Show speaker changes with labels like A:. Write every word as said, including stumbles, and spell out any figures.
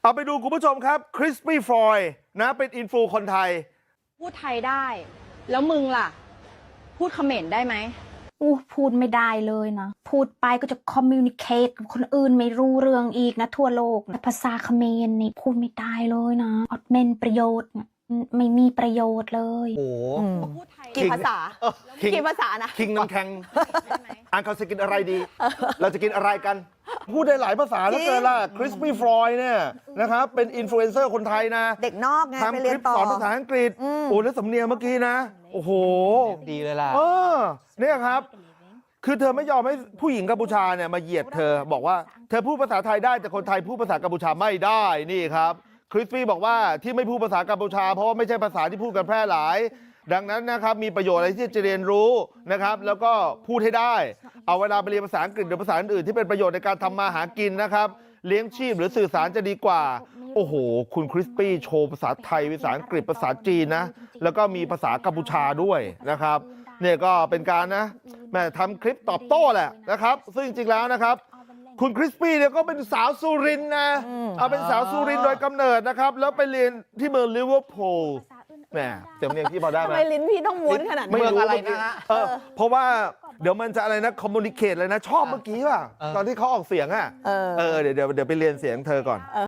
A: เอาไปดูคุณผู้ชมครับคริสปี้ฟรอยนะเป็นอินฟูคนไทย
B: พูดไทยได้แล้วมึงล่ะพูดเขมรได้ไหม
C: อู้พูดไม่ได้เลยนะพูดไปก็จะคอมมิวนิเคตกับคนอื่นไม่รู้เรื่องอีกนะทั่วโลกนะภาษาเขมรนี่พูดไม่ได้เลยนะอดเมนประโยชน์ไม่มีประโยชน์เลย
A: โอ้
D: กี่ภาษากี่ภาษานะ
A: คิงน้ำแข็งอ่านเขาจะกินอะไรดี เราจะกินอะไรกันพูดได้หลายภาษาแล้วเกินล่ะคริสปี้ฟรอยเนี่ยนะครับเป็นอินฟลูเอนเซอร์คนไทยนะ
D: เด็กนอกไงไป
A: ทำค
D: เรีย
A: ลิ
D: น
A: ป
D: ต่อ
A: สอนภาษาอังกฤษโอ้แล้วสำเนียงเมื่อกี้นะโอ้โห
E: ดีเลยล่ะ
A: เออเนี่ยครับคือเธอไม่ยอมให้ผู้หญิงกัมพูชาเนี่ยมาเหยียดเธอบอกว่าเธอพูดภาษาไทยได้แต่คนไทยพูดภาษากัมพูชาไม่ได้นี่ครับคริสปี้บอกว่าที่ไม่พูดภาษากัมพูชาเพราะว่าไม่ใช่ภาษาที่พูดกันแพร่หลายดังนั้นนะครับมีประโยชน์อะไรที่จะเรียนรู้นะครับแล้วก็พูดให้ได้เอาเวลาไปเรียนภาษาอังกฤษหรือภาษาอื่นๆที่เป็นประโยชน์ในการทำมาหากินนะครับเลี้ยงชีพหรือสื่อสารจะดีกว่าโอ้โหคุณคริสปี้โชว์ภาษาไทยภาษาอังกฤษภาษาจีนนะแล้วก็มีภาษากัมพูชาด้วยนะครับเนี่ยก็เป็นการนะแม่ทำคลิปตอบโต้แหละนะครับซึ่งจริงๆแล้วนะครับคุณคริสปี้เนี่ยก็เป็นสาวสุรินทร์นะเอาเป็นสาวสุรินทร์โดยกำเนิดนะครับแล้วไปเรียนที่เมืองลิเวอร์พูลแหมเสียงเรียงที่พอได้ไหม
D: ทำไมลิ้นพี่ต้องม้วนขนาดนี้
A: ไม่รู้
E: อะไรนะฮะ
A: เออเพราะว่าเดี๋ยวมันจะอะไรนะคอมมูนิเคตเลยนะชอบเมื่อกี้ป่ะตอนที่เขาออกเสียงอ่ะเออเดี๋ยวเดี๋ยวเดี๋ยวไปเรียนเสียงเธอก่อน